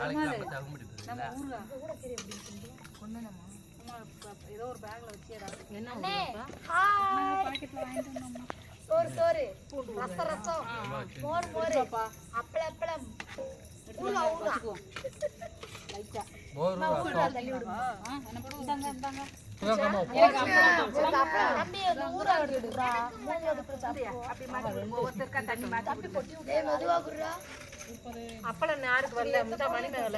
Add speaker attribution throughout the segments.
Speaker 1: ஏதோ ஒரு பேக்ல வச்சியடா.
Speaker 2: சோறு ரசம் மோர் அப்பளம்
Speaker 1: லைட்டா
Speaker 2: தள்ளி விடுமா.
Speaker 1: அப்பளம் யாருக்கு வரல முட்டை மணி மேல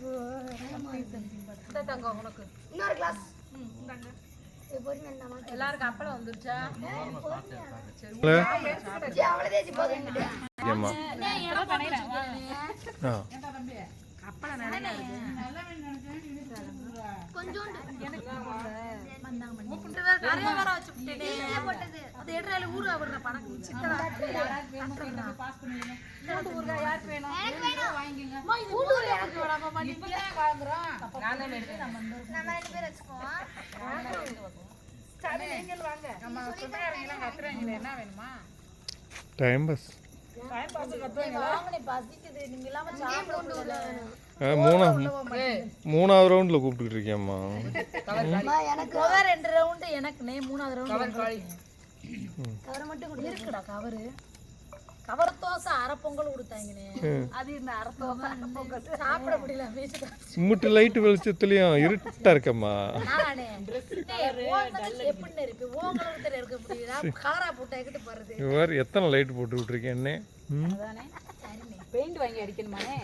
Speaker 1: தங்கம் உனக்கு
Speaker 2: இன்னொரு கிளாஸ்
Speaker 1: எல்லாருக்கும் அப்பளம் வந்துருச்சா? அப்பளம்
Speaker 3: டைம் பாஸ் மூணாவது ரவுண்ட்ல கூப்பிட்டு இருக்கேம்மா.
Speaker 2: எனக்கு 2 ரவுண்ட் எனக்கு 3வது ரவுண்ட் கவர் மட்டும் இருக்குடா. கவர் தோசை அரை பொங்கல் கொடுத்தாங்கனே. அது இந்த அரை தோசை பொங்கல் சாப்பிட முடியல.
Speaker 3: சிம்மிட்டு லைட் வெளிச்சத்துலயும் இருட்டா இருக்கம்மா.
Speaker 2: நானே எப்படி இருக்கு ஓங்களுக்கு இருக்க முடியல. கலரா போட்டு போறது
Speaker 3: இவர் எத்தனை லைட் போட்டு விட்டுருக்கேன் என்ன
Speaker 1: அதானே. பெயிண்ட் வாங்கி அடிக்கணுமானே.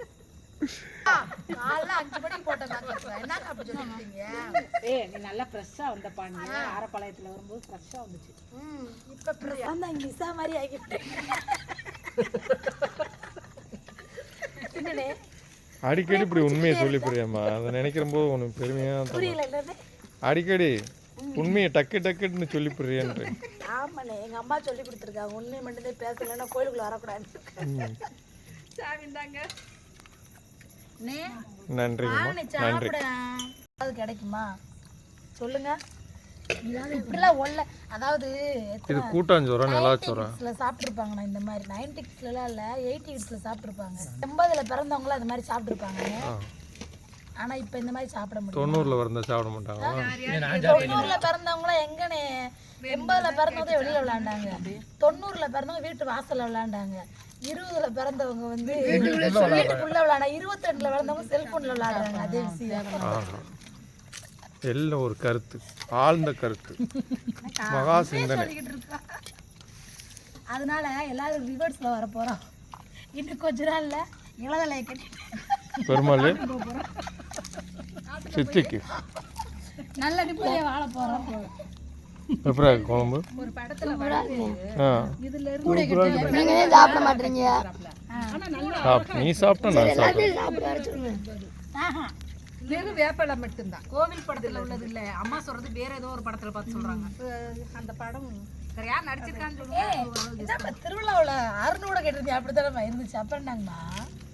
Speaker 2: காலைல 5 மணிக்கு போட்டேன். என்ன அப்படி சொல்றீங்க?
Speaker 1: நீ நல்லா ஃப்ரெஷ்ஷா வந்த பாண்டி. ஆரப்பாளையத்துல வரும்போது ஃப்ரெஷ்ஷா வந்துச்சு.
Speaker 2: இப்ப ஃப்ரெஷ்ஷா தான் இங்கிலீஷா மாதிரி ஆகிட்டு.
Speaker 3: அடிக்கடி இப்படி உண்மையை சொல்லி புரியாமா? அதை நினைக்கிற போது உனக்கு பெருமையா
Speaker 2: புரியல.
Speaker 3: அடிக்கடி உண்மையை டக்குன்னு சொல்லி புரியன்ற.
Speaker 2: ஆமாண்ணே, எங்க அம்மா சொல்லி கொடுத்துருக்காங்க. உண்மை மட்டும்தான் பேசலன்னா கோயிலுக்குள்ள வரக்கூடாது. சாவிந்தாங்க.
Speaker 3: நன்றி.
Speaker 2: அது கிடைக்குமா சொல்லுங்க. இப்படிலாம் ஒல்ல அதாவது
Speaker 3: இது கூட்டாஞ்சோரம் நல்லாச்சோரம்
Speaker 2: சாப்பிட்டுருப்பாங்கண்ணா. இந்த மாதிரி 90s-லாம் இல்லை 80s-ல சாப்பிட்டுருப்பாங்க. 80ல பிறந்தவங்களும் அது மாதிரி சாப்பிட்டுருப்பாங்க. ஆனா இப்ப இந்த மாதிரி சாப்பிட முடியும்.
Speaker 3: 90ல வரந்தா சாப்பிட மாட்டாங்க.
Speaker 2: 90ல பிறந்தவங்களாம் எங்கனே 80ல பிறந்தவங்க வெளியில விளையாண்டாங்க. 90ல பிறந்தவங்க வீட்டு வாசல்ல விளையாண்டாங்க. 20ல பிறந்தவங்க வந்து வீட்டுக்குள்ள விளையாட. 22ல பிறந்தவங்க செல்போன்ல விளையாடுறாங்க. அதே விஷயம்
Speaker 3: எல்லாம் ஒரு கருத்து, ஆழ்ந்த கருத்து, மகா சிந்தனை.
Speaker 2: அதனால எல்லாரும் ரிவர்ஸ்ல வர போறோம். இன்னும் கொஞ்ச நாள்ல இளதலையை கட்டிட்டு
Speaker 3: பெருமாள் சித்திக்கு
Speaker 2: நல்ல நிம்மதியா வாழ போறோம்.
Speaker 3: எப்பரா குழம்பு
Speaker 1: ஒரு படத்துல
Speaker 2: இதுல இருந்து நீங்க சாப்பிட மாட்டீங்க.
Speaker 3: நீ சாப்பிட்டா நான் சாப்பிடுவேன்.
Speaker 1: வெறும் வேப்பலை மட்டும்தான். கோவில் படத்துல உள்ளது இல்ல. அம்மா சொல்றது வேற ஏதோ ஒரு படத்துல பார்த்து சொல்றாங்க. அந்த படம் யார் நடிச்சிருக்கான்னு சொல்லுங்க.
Speaker 2: திருவிழாவில் அருணோட கேட்டிருந்தேன். அப்படித்தானே இருந்துச்சு. அப்புறம் என்னங்கம்மா